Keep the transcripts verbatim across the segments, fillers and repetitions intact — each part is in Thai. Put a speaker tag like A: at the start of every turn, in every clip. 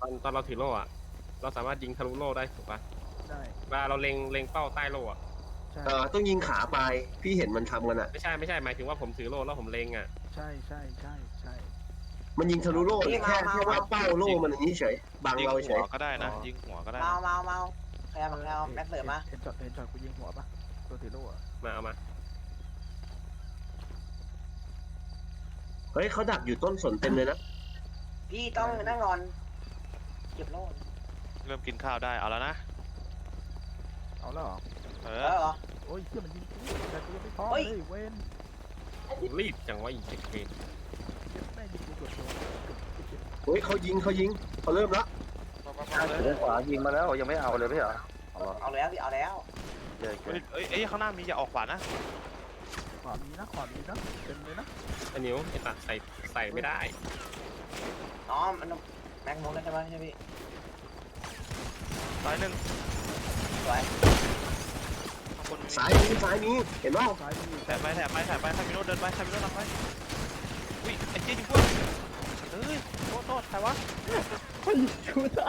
A: อนตอนเราถือโล่อะเราสามารถยิงทะลุโล่ได้ถูกปะ
B: ได้
A: เวลาเราเล็งเล็งเป้าใต้โล่อะ
B: ใช่
C: เออต้องยิงขาไปพี่เห็นมันทำกันอ่ะ
A: ไม่ใช่ไม่ใช่หมายถึงว่าผมถือโล่แล้วผมเล็งอะ
B: ใช่ใช่ใช่ใช่
C: มันยิงทะลุโล่แค่แค่ว่าเป้าโล่มันอย่างนี้เฉยบัง
D: ยิง
C: เราเฉ
D: หัวย ก็ได้นะยิงหัวก็ได้
E: เมา
D: นะ
E: เมาเมาใครเอาใครเอาแม็กเสริมมา
B: เห็นช็อตเห็นช็อตกูยิงหัวปะตัวถือโล่อะ
A: มาเอามา
C: เฮ้ยเขาดักอยู่ต้นสนเต็มเลยนะ
E: พี่ต้องนั่งนอนเก็บโล่
D: เริ่มกินข้าวได้เอาแล้วนะ
B: เอาแล้วเหรอ
D: เอ
E: เอ
D: อ
E: อเหรอ
B: โอ้ยเพื่อมันยิงกูแต่กูยังไม่พร้อม
E: เฮ้ย
B: เลยเว้น
A: รีบจังวะอีกเจ็ดเกม
B: เก็บแม่ยิงกูกดโดนเก็บ
C: เฮ้ยเขายิงเขายิงเขาเริ่มแล้ว
F: ถือขวายิงมาแล้วยังไม่เอาเลยไม่เหรอเอา
E: เอาแล้วพี่เอาแล้ว
F: เยอะ
D: เอ้ยเอ้ยเอ้ยข้างหน้ามีอย่าออกขวานะ
B: ขวามีนะขวามีนะเต็มเลยนะ
A: ไอ้นิ้วไอ้ตัดใส่ใส่ไม่ได้
E: อ๋อมันแม็กมุกได้ใช่ไหมใช่พี่
D: ซ้ายหนึ่ง
E: สวย
D: ข้างบนมี
C: สายนี้สายนี้เห็นเปล่า
B: ซ้ายมี
D: แถบไปแถบไปแถบไปคามิโนเดินไปคามิโนนำไปอุ้ยไอ้เจี๊ยยิงพวกเอ้ยโทษโทษใครวะ
E: ชูตา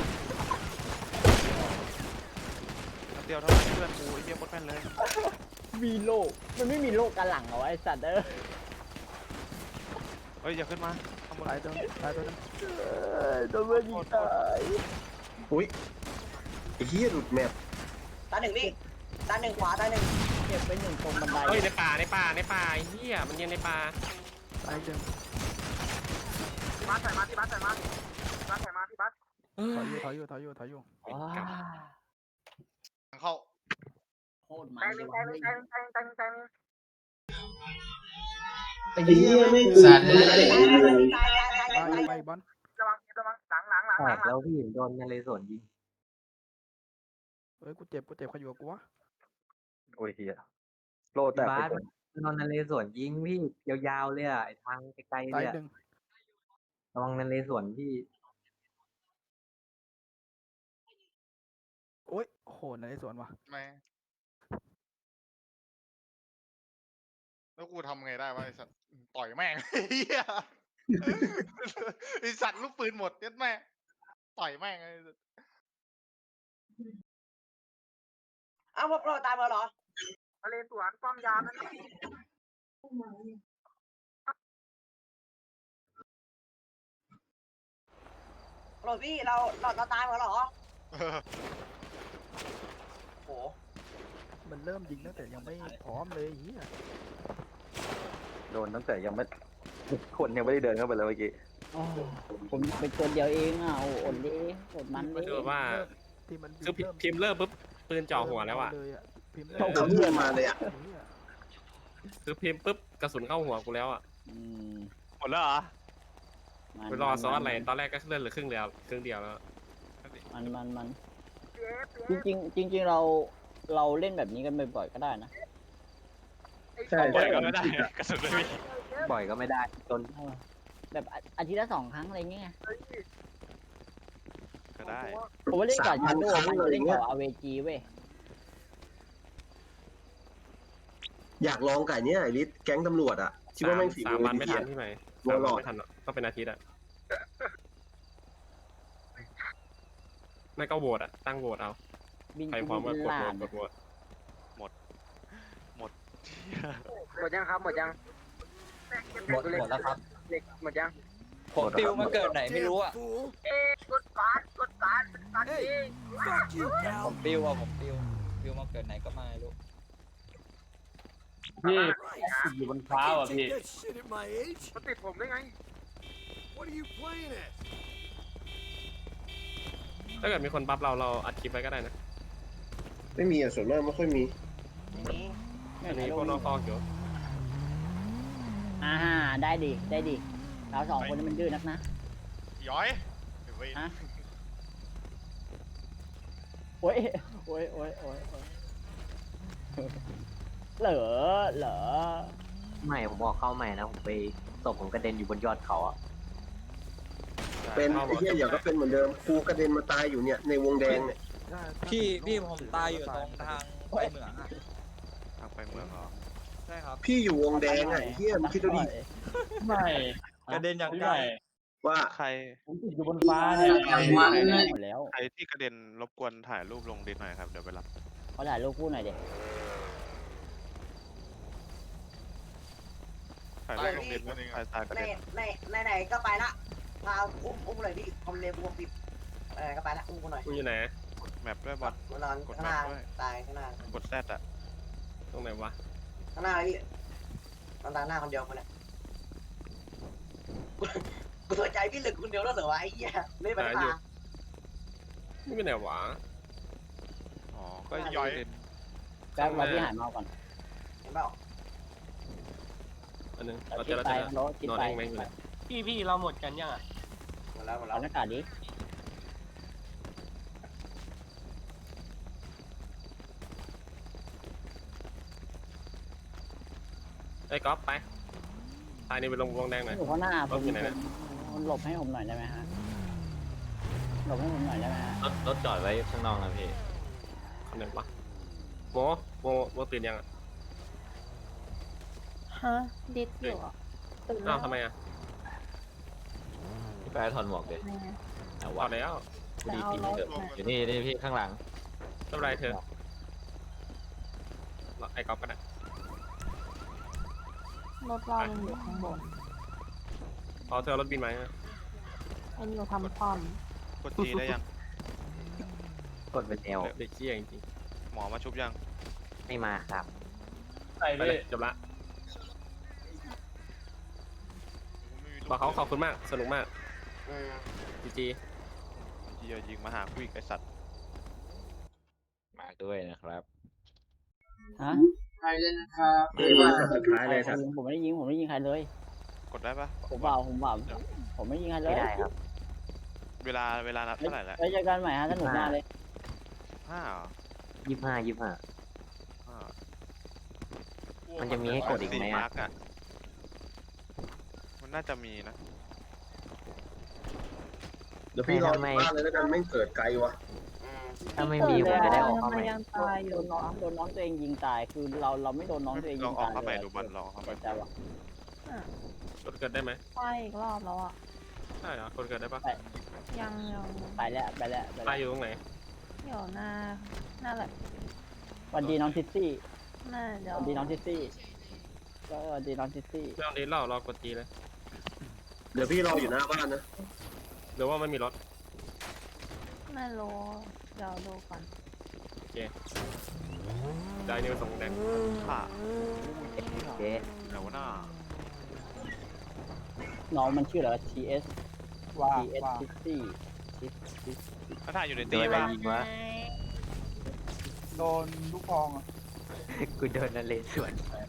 D: นัดเดียวเท่านั้นเพื่อนกูไอ้เจี๊ยโคตรแม่นเลย
G: มีโลกมันไม่มีโลกกันหลังเหรอวะไอสัตว์เออ
D: เฮ้ยอย่าขึ้นมาข้างบน
B: ตายตัวตายตัวนึง
G: โดนเพื่อนยิงตาย
C: อุ้ยไอ้เหี้ยหลุดแมป
E: ตาหนึ่งพี่ตาหนึ่งขวาตาหนึ่ง
G: เก็บไปหนึ่งตรงบันได
A: เฮ้ยในป่าในป่าในป่าไอ้เหี้ยมันยังในป่า
B: ตายเดิม
E: พี่บัสใส่มาพี่บัสใส่มาพี่บัสใส่มาพี่บัส
A: เออ
B: ถอยอยู่ถอยอยู่ถอยอยู่ถอยอยู่
G: ว้า
D: เข้า
G: โคตรมัน
E: ใจหนึ่งใจหนึ่งใจหนึ่งใจหนึ่งใจหนึ่งใจหนึ่ง
C: ไอ้เหี้ยไม่
H: สัตว์
E: ตายตายตายตายตาย
B: ไป
E: ตาย
B: ไปบอล
E: ระวังระวังหลังหลังหลัง
F: แต
E: หลั
F: ก
E: ง
F: แล้วพี่โดนนเรศวรยิง
B: เฮ้ยกูเจ็บกูเจ็บใครอยู่กับกูวะ
F: โอ้ยเฮียโลแตกไปก่อน
H: นนนเรศวรยิงพี่ยาวๆเลยอ่ะไอ้ทางไกลๆ
B: ตา
H: เลย ยอะ
B: หนึ่ง
H: ระวังนเรศวรพี่
B: โอ้ยโหในสวนว่ะ
I: ไม่แล้วกูทำไงได้วะไอสัตว์ต่อยแม่ง เฮียไอสัตว์ลูกปืนหมดเย็ดแม่ต่อยแม่งไอ้สัตว์
E: อ้าวพวกเราตายมาเหรอทะเลสวนป้อมยามนั่นโหลดพี่เราเราเราตายมาเหรอ
I: เออ
E: โห
B: มันเริ่มยิงตั้งแต่ยังไม่พร้อมเลยเฮีย
F: โดนตั้งแต่ยังไม่คนยังไม่ได้เดินเข้าไปเลยเมื่อกี้
G: โอ้ผมเป็นคนเดียวเองอ่ะโอ้อดดิอดมัน
A: ก็
G: ดิ
A: คือว่า
B: ที่มัน
A: คือพิมพ์เริ่มปุ๊บปืนจ่อหัวแล้วอะ
B: เลยอะพิมพ์
C: เขาเพื่อนมาเลยอ่ะ
B: เหี้ย
A: คือพิมพ์ปุ๊บกระสุนเข้าหัวกูแล้วอะ
G: อืม
D: หมดแล้วเหรอ
G: มัน
A: ไปรอซ้อนอะไรตอนแรกก็เลื่อนเหลือครึ่งเดียวครึ่งเดียวแล้ว
G: มันมันมันจริงจริงๆจริง ๆ เราเราเล่นแบบนี้กันบ่อยๆก็ได้นะ
C: ใช่
D: ปล่อยก็ไม่ได้กระสุนไม่มี
H: บ่อยก็ไม่ได้จน
G: เออแบบอาอาทิตย์ละสองครั้งอะไรเงี้ย
D: ก็ได้
G: ผมว่าเล่นกับ
C: สาม
G: ชา
C: พัน
G: โด
C: ครั้งอะไร
G: ว์เล่น
C: เงี้
G: กั
C: ย
G: บอาเวจีเว้ย
C: อยากลองไก่เนี้ยไอ้ลิศแก๊งตำรวจอ่ะคิดว่าแม่งฝี
A: สาม
C: มือ
A: วันไม่
C: ดี
A: ทัน
C: อ่ะ
A: ที่ไหน
C: วอ
A: สาม
C: ล
A: วั
C: ล็
A: น
C: อก
A: ไม่ทันหรอกต้องเป็นอาทิตย์อะไม่ก็โหวตอะตั้งโหวตเอา
G: บิน
A: ใคร
G: กู
A: พร้อมก็
G: บิน
A: กด
G: ลา
A: โหวต
G: น
A: กดโหวต
D: หมด
E: หมดยังครับหมดยัง
H: หมดหมดแล้วครับ
E: เด็กหมดยัง
H: ผมติวมาเกิดไหนไม่รู้อ่ะ
E: เอ๊กดการกดการตัดเอง
H: ผมติวอ่ะผมติวติวมาเกิดไหนก็ไม่รู้
F: พี่อยู่บนฟ้าอ่ะพี่
E: มันติดผมได้ไง
A: ถ้าเกิดมีคนบัฟเราเราอัดคลิปไว้ก็ได้นะ
C: ไม่มีอ่ะส่วนมากไม่ค่อยมี
E: นี่
A: อันนี้พวกนอกคอกอยู่
G: อ่าได้ดิได้ดิเราสองคนนี้มันดื้อนักนะ
I: ย้อยเดี๋ยวไป
G: ฮะ โอ้ยโอ้ยโอ้ยโอ้ยโอ้ยเหลอเหลอ
H: ไม่ผมออกเข้าใหม่นะผมไปศพผมกระเด็นอยู่บนยอดเขาอ่ะ
C: เป็นไอ้เหี้ยอย่าก็เป็นเหมือนเดิมครูกระเด็นมาตายอยู่เนี่ยในวงแดงเนี่ย
B: ถ้าถ้า
H: พี่
B: ถึง
H: พี่
B: โลก
H: ผมตายอยู่ตรงทางไปเหมืองอ่ะ
D: ทางไปเมืองเหรอ
H: ใช่ครับ
C: พี่อยู่วงแดงอ่ะไอ้เหี้ยมึงคิดดูดิ
F: ไม่
H: กระเด็นอย่างไกล
C: ว่า
I: ใคร
G: ผมติดอยู่บนฟ้าเนี่ยหมดแล้ว
I: ใครที่กระเด็นรบกวนถ่ายรูปลงดิสหน่อยครับเดี๋ยวไปรับ
G: เขาถ่ายรูปคู่หน่อยเด็ก
I: ถ่ายรูปลงดิสแล้วถ่ายตายกระ
E: ใน
I: เด็น
E: ในในไหนก็ไปละพาอุ้มอุ้มเลยพี่คอมเลนบวกสิบเออก็ไปละอุ้มกูหน่อย
A: มึงอยู่ไหน
I: แมปด้วยบอล
E: มานอนข้างหน้าตายข้างหน้าก
I: ดแซดอะ
A: ตรงไหนวะ
E: ข้างหน้าเลยพี่นอนตาหน้าคนเดียวคนเนี้ยกูสนใจพี่เหลือคนเดียวแล้วเหรอวะไอ้เหี้ยไม่ไปพา
A: นี่เป็นไหนวะ
I: อ๋อก็ย่อย
G: แป๊บเราพี่หายเมาก่อน
E: เห็นเปล่า
A: อันนึง
G: เรา
A: เรา
G: คิ
A: เจ
G: ด
A: อเรา
G: ไป
A: เจอ
G: รถคิด
A: นอน
G: ไป
A: เองไหมอยู่ไหน
H: พี่พี่เราหมดกันยังอ่ะ
E: หมดแล้วหมดแล้
G: เอา
E: ว
G: หน้ากากดิ
A: ไอ้ก๊อฟไปตายนี่ไปลงวงแดงหน่อย
G: อยู่ข้างหน้าผม
A: รถอยู่ไหนนะ
G: ผมหลบให้ผมหน่อยได้ไหมฮะหลบให้ผมหน่อยได้ไหมฮะ
H: รถรถจอดไว้ข้างนอกนะพี่
A: คนไหนวะโมโมโมตื่นยังอ่ะ
J: ฮะดิดอยู่อ่ะตื่นแล้
A: อ้าว วทำไมอ่ะ
H: พี่ไปถอดหมวกเด็ด
J: ทำไมอะ
H: เอา
A: เอา
H: วะ
A: แล้ว
J: จะ
H: ดี
J: เอา
H: ปี
J: ร
H: นี้
J: ถ
H: เถอะ
J: มา
H: อยู่นี่นี่พี่ข้างหลัง
A: ไม่เป็นไรเธอไอ้ก๊อฟก็ได้
J: รถเรายังอยู่ข้างบน
A: พอเธอรถบินไหมอะ
J: ไอ้นี่เราทำความ
I: กดจีได้ยัง
H: กดเป็นเอล
A: เด็กเชี่ยจริง
I: หมอมาชุบยัง
H: ไม่มาครับ
A: ๆไปเลยจบละบอกเขาขอบคุณมากสนุกมาก
E: อืม
A: จีจี
I: จีจะยิงมาหาคุยไอสัตว์
H: มาด้วยนะครับ
G: ฮะ
F: นี่มาช็อตสุดท้ายเลยครับ
G: ผมไม่ได้ยิงผมไม่ได้ยิงใครเลย
I: กดได้ปะ
G: ผมเปล่าผมเปล่าผมไม่ได้ยิงใครเลย
H: ไม่ได้ครับ
I: เวลาเวลานับเท่าไหร่แล้ว
G: ไว้เจอกันใหม่ฮะสนุกมากเลย
I: ห้าเหรอ
H: ยี่ห้ายี่ห้า
I: ห้า
H: มันจะมีให้กดอีกไหม
I: สี่
H: อะ
I: มาร์กอะมันน่าจะมีนะ
C: เดี๋ยวพี่รอที่บ้านเลยแล้วกันไม่งเกิดไกลวะ
E: อืม
H: ถ้าไม่มีผมจะได้ออกเข้า
J: ทำ
H: ให
J: ไม
H: ม่
J: ยังตายอ
G: โด
J: ยู่
G: นน้องโดนน้องตัวเองยิงตายคือเราเราไม่โดนน้องตัวเอง
I: ล
G: ยิ
I: อง
G: ง
I: ออ
G: ตาก ย
I: เข้าไป
G: เลย
I: ดูบอลลองเข้าไป
G: ใจวะ
A: กดเกิดได้ไหม
J: ไปอีกรอบแล้วอ่ะ
A: ใช่เหรอกดเกิดได้ปะ
J: ยังยัง
G: ไปแล้วไปแล้วไป
A: ตายอ
G: แล้ว
A: ยู่ตรงไหน
J: เดี๋ยวหน้าหน้าแบบ
G: สวันดีน้องทิสซี่
J: หน้าเดี๋
G: ส
J: ยว
G: วันดีน้องทิสซี่ก็สวันดีน้องทิสซี่
A: ไม่ต้องดีเล่ารอกดจีเลย
C: เดี๋ยวพี่รออยู่หน้าบ้านนะ
A: หรือว่าไม่มีรถ
J: ไม่รู้เดี๋ยวดูก่อน
A: ได้นี่ไปส่งแดง
I: ค่ะ
H: เจ๊
I: แต่ว่าหน้า
G: น้องมันชื่ออะไร ที เอส
B: ว่า
G: ที เอส
B: ว่า
G: ทิสซี่
I: ถ้าถ่ายอยู่ใน
H: โด
I: ตี
H: นอะไร
I: ป่ะ
H: ยิงวะ
B: โดนลูกฟองอ่ะ
H: กูโดนนั่นเลยสวน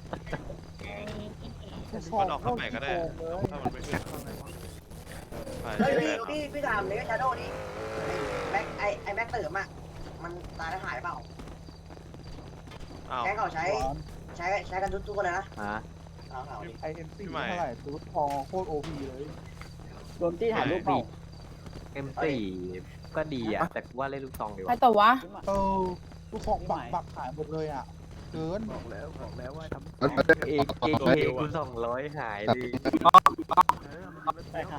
I: มันออกเข้าใหม่ก็ได้ ถ้ามันไม่ขึ้นไป
E: เฮ้ยพี่พี่พี่ถามเลยชาโดนี่แบ็คไอไอแบ็คเติมอ่ะมันตายแล้วหายเปล่า
I: อ้าว
E: แก๊งเขาใช้ใช้ใช้กันทุกทุกคนเลยนะ
H: ฮะ
E: เอาเอาดิ
B: ไอเอ็นซีเท่าไหร่ตูดฟองโคตรโอพีเลย
G: โดนที่ถ่ายรูปเปล่า
H: เอ็มสี่ก็ดีอ่ะ แต่กูว่าเล่นลูกซองดีก
J: ใคร
H: ว่า
J: ตัววะ
B: เออลูกฟองบักบักหายหมดเลยอ่ะเกินบอกแล้วบอกแล้วว่าทำ
H: เอเกเกกูสองร้อยหายดิ
G: ไปค่ะ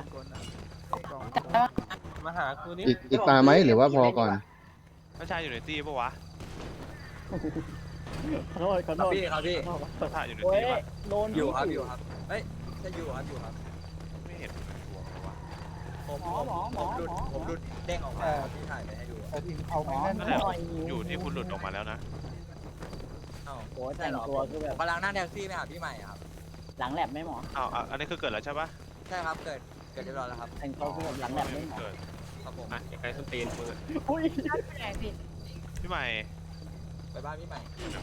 H: มาหากูนี่
K: อีกอีกตาไหมหรือว่าพอก่อน
I: ถ้าชายอยู่ในตีป่ะวะ
G: ขอโทษขอโทษ
H: พี่ครับพี่
I: ถ้าถ่ายอยู่ใน
G: โอ้
I: ตี
G: ย
I: ป่ะ
G: โดน
H: อยู่ครับอยู่ครับเฮ้ยจะอยู่ครับอยู่ครับ
I: ไม่เห็นหัวเลยวะ
H: ผม
G: หมอหมอหมอหมอ
H: ผมหลุดเด้งออกมาพี่ถ่ายไปให้ดู
B: แต่ทีมเอา
G: หม
B: ไม่
G: อ
B: แน่น
I: นั่นแหละ
G: หน่อย
I: อยู่ที่คุณหลุดออกมาแล้วนะ
G: โอ้ยแต่งตัวคือแบบ
H: กำลังนั่งแท็กซี่ไปหาพี่ใหม่ครับ
G: หลังแลบไหมหมอ
I: อ้าวอ่ะอันนี้คือเกิดแล้วใช่ปะ
H: ใช่ครับเกิดเกิดเรียบร้อยแล้วครับ
G: แต่งตัวคือแบบหลังแลบไหมหมอ
I: เกิด
H: ครับผม
A: อ่ะอย่าใครส้นตีนมึงอะ
G: อุ้ย
I: พี่ใหม่
H: ไปบ้านพี่ใหม่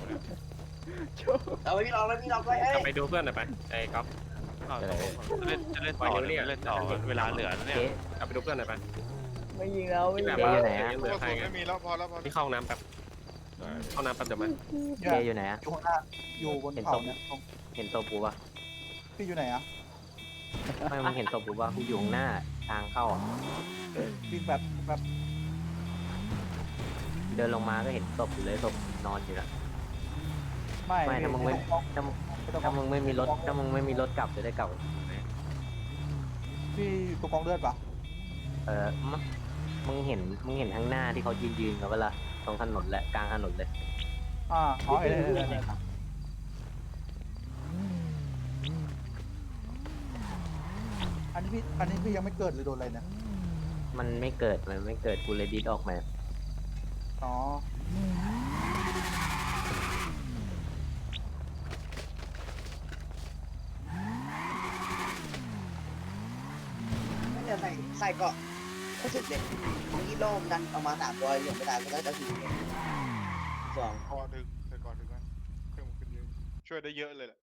E: เอาไว้พี่ลองแล้วพี่ลองด้วยเฮ้ย
A: กลับไปดูเพื่อนหน่อยไปไอ้ก๊อฟ
I: อ้าวจะเล่นจะเล่นต่อหรือไม่เล่นต่อเวลาเหลือแล้วเนี่ย
A: เจ๊กลับไปดูเพื่อนหน่อยไป
G: ไม่ยิงแล้วไม่
A: ที่
G: ยิ
A: แบ
G: ง
A: บ
G: แล้ว
A: ว่ายังเหลือใครไง
I: ไม่มีแล้วพอแล้วพอ
A: ที่เข้าห้องน้ำแป๊บเข้าน้ำแป๊บเดี๋ยวมา
H: เจอยู่ไหนอะ
B: อยู่ข้างหน้าอยู่บนเขาเนี่ย
H: เห็นตัวปูปะ
B: พี่อยู่ไหนอ่ะ
H: ไม่มึงเห็นตัวปูปะกูอยู่ข้างหน้าทางเข้าอะ
B: วิ่งแบบแบบ
H: เดินลงมาก็เห็นศพอยู่เลยศพนอนอยู่นะ
B: ไม่
H: ไม่ถ้ามึงไม่ถ้ามึง
B: ไม่ต้อง
H: ถ้ามึงไม่มีรถถ้ามึงไม่มีรถกลับจะได้กลับ
B: ไพี่อยู่ตรงกองเลือดปะ
H: เออมะมึงเห็นมึงเห็นข้างหน้าที่เขายืนยืนกันเวลาตรงถนนแหละกลางถนนเลย
B: อ่าอ๋อเห็นเห็นเห็นเห็นอันนี้พี่อันนี้พี่ยังไม่เกิดเลยโดนอะไรเนี่ย
H: มันไม่เกิดมันไม่เกิดกูเลยดิดออกมา
B: อ๋อ
E: ไม่จะใส่ใส่เกาะก็จุดเด่นของอีโลมดันออกมาสามตัวยังไม่ได้ก็จะถือสอง
I: ก่อนถึงแต่ก่อนถึงนะเครื่องมันขึ้นเยอะช่วยได้เยอะเลยแหละ